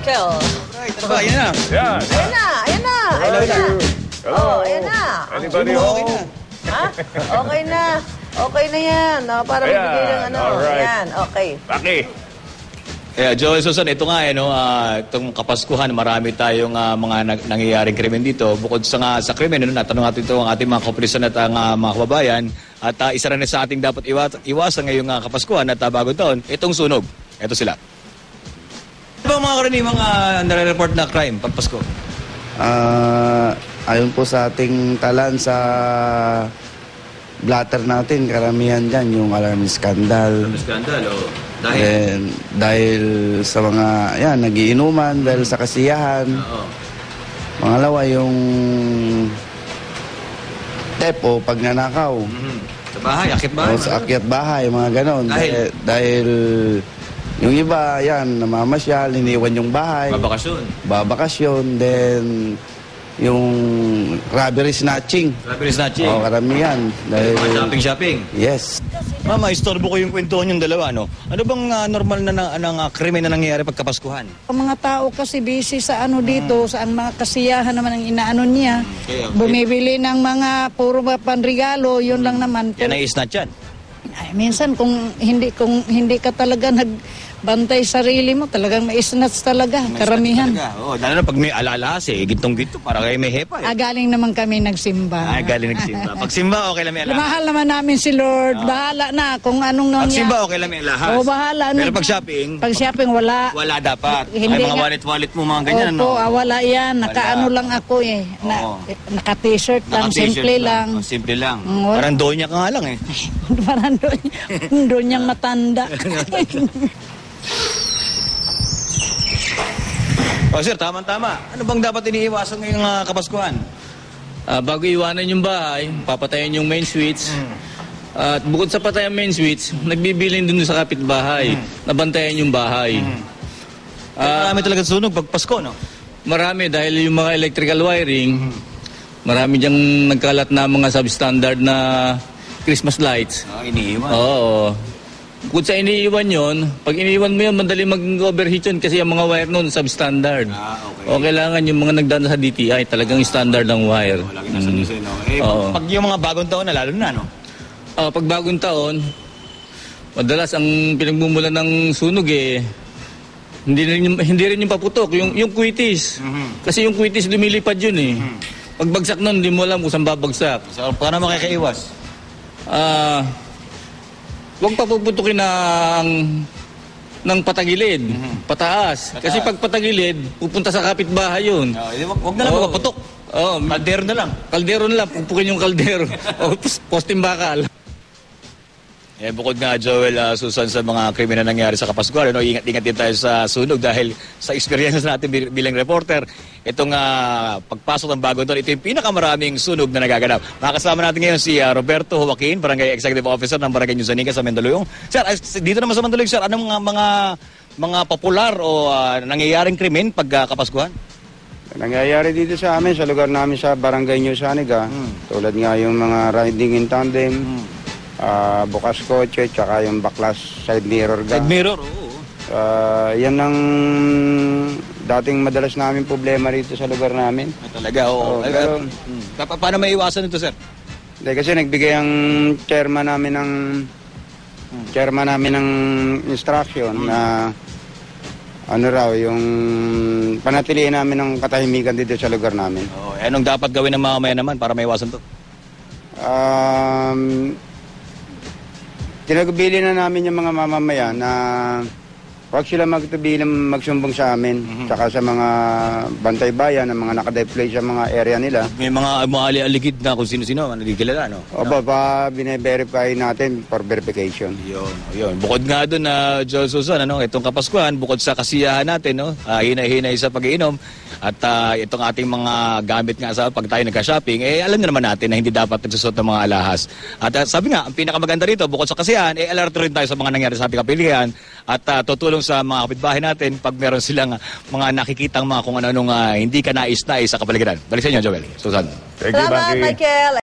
Michael. Right, ano ba? Yan na. Yan. Ayan na, ayan na, ayan na. Hello. Oh, ayan na. Anybody Okay home? na. Ha? Okay na. Okay na yan. Oh, para Ayan, magbigay ng ano. alright. Ayan, okay. Paki. Yeah, Joel Susan, ito nga itong Kapaskuhan, marami tayong mga nangyayaring krimen dito. Bukod sa krimen, natanong natin ito ang ating mga kapulisan at ang mga kababayan. At isa rin sa ating dapat iwasan ngayong Kapaskuhan at bagong taon, itong sunog. Ito sila. Ano ba ang mga karaniwang nare-report na crime pag Pasko? Ayon po sa ating talan sa blatter natin, karamihan dyan yung alarm scandal. Skandal, o. Dahil sa mga, nagiinuman, dahil sa kasiyahan. Oo. Pangalawa, yung tepo, pagnanakaw. Sa bahay, akit bahay. O sa akyat bahay, mga ganon. Dahil? Dahil yung iba, namamasyal, iniwan yung bahay. Babakasyon. Babakasyon, then yung robbery snatching. Robbery snatching. Oo, karamihan. Dahil, Shopping. yes. Mama, istorbo ko yung kwentuhan yung dalawa, no? Ano bang normal na krimen na nangyayari pag Kapaskuhan? Ang mga tao kasi busy sa dito, sa ang mga kasiyahan naman ang inaano niya. Okay. Bumibili ng mga puro panregalo, yun lang naman. Yan ay isnat yan. Ay, minsan kung hindi ka talaga nagbantay sarili mo, talagang maisnats talaga, karamihan. Oo, lalo na pag may alalas gintong-ginto, para kayo may hepa Galing naman kami nagsimba. galing nagsimba. Pag simba, okay lang may alalas. Mahal naman namin si Lord. Bahala na kung anong Pag nangyari. simba, okay lang may alahas. Oo, bahala na. Pero pag shopping, Pag shopping, wala. wala dapat. Hindi Ay, mga nga. wallet-wallet mo, mga ganyan, Opo, no? wala yan. Wala. Nakaano lang ako Oo. Naka-t-shirt lang, Naka-t-shirt simple lang. Oh, simple lang. Wala. Parang donya ka nga lang Parang doon niyang matanda. Oh, sir, tama-tama. Ano bang dapat iniiwasan ngayong Kapaskuhan? Bago iwanan yung bahay, papatayin yung main switch. At bukod sa patayan main switch, nagbibilin dun sa kapitbahay. Nabantayan yung bahay. Marami talaga sunog pag Pasko, no? Marami dahil yung mga electrical wiring, marami diyang nagkalat na mga substandard na Christmas lights. Iniiwan. Oo. Bukod sa iniiwan yon, pag iniiwan mo yun, madali mag-overheat yun kasi yung mga wire nun substandard. Okay. O kailangan yung mga nagdaan sa DTI, talagang standard ng wire. Lagi nasa design, no? Oo. Pag yung mga bagong taon na, lalo na, no? Pag bagong taon, madalas ang pinagmumulan ng sunog hindi rin yung paputok, yung kwitis. Kasi yung kwitis lumilipad yun Pagbagsak nun, hindi mo alam kung saan babagsak. So, paano makikaiwas? Huwag papuputukin ng patagilid, pataas. Kasi pag patagilid, pupunta sa kapitbahay yun. Huwag na lang Oo. mapaputok. Kaldero na lang. Kaldero na lang, pupukin yung kaldero. O posting bakal. Bukod nga, Joel, Susan, sa mga krimen na nangyari sa Kapaskuhan, ingat-ingat din tayo sa sunog dahil sa experience natin bilang reporter, itong pagpasok ng bagong taon, ito yung pinakamaraming sunog na nagaganap. Makakasama natin ngayon si Roberto Joaquin, Barangay Executive Officer ng Barangay Nusanica sa Mandaluyong. Sir, dito naman sa Mandaluyong, sir, anong mga popular o nangyayaring krimen pag Kapaskuhan? Nangyayari dito sa amin, sa lugar namin sa Barangay Nusanica, tulad nga yung mga riding in tandem, bukas kotse, tsaka yung baklas side mirror Side mirror, oo. yan ang dating madalas namin problema rito sa lugar namin. Talaga, oo. Pero, Paano may iwasan ito, sir? hindi, kasi nagbigay ang chairman namin ng instruction na yung panatilihin namin ng katahimikan dito sa lugar namin. Anong dapat gawin ng mga mamaya naman para may iwasan ito? Tinagbili na namin yung mga mamamayan na huwag sila magsumbong sa amin, tsaka sa mga bantay bayan, ng mga nakadeploy sa mga area nila. May mga aligid na kung sino-sino, nagkilala, no? Bine-verify natin for verification. Yun. Bukod nga doon na Joel Susan, itong Kapaskuhan, bukod sa kasiyahan natin, hinay-hinay sa pag-iinom, at itong ating mga gamit nga sa pag tayo nagka-shopping, alam na naman natin na hindi dapat nagsusot ng mga alahas. At sabi nga, ang pinakamaganda rito, bukod sa kasiyahan, alerto rin tayo sa mga nangyari sa ating kapilihan, at tutulong sa mga kapitbahay natin pag meron silang mga nakikitang mga kung ano-anong hindi ka nais-nais sa kapaligiran. Balik sa inyo, Joel. Susan. Thank you, Salamat, Baki. Michael.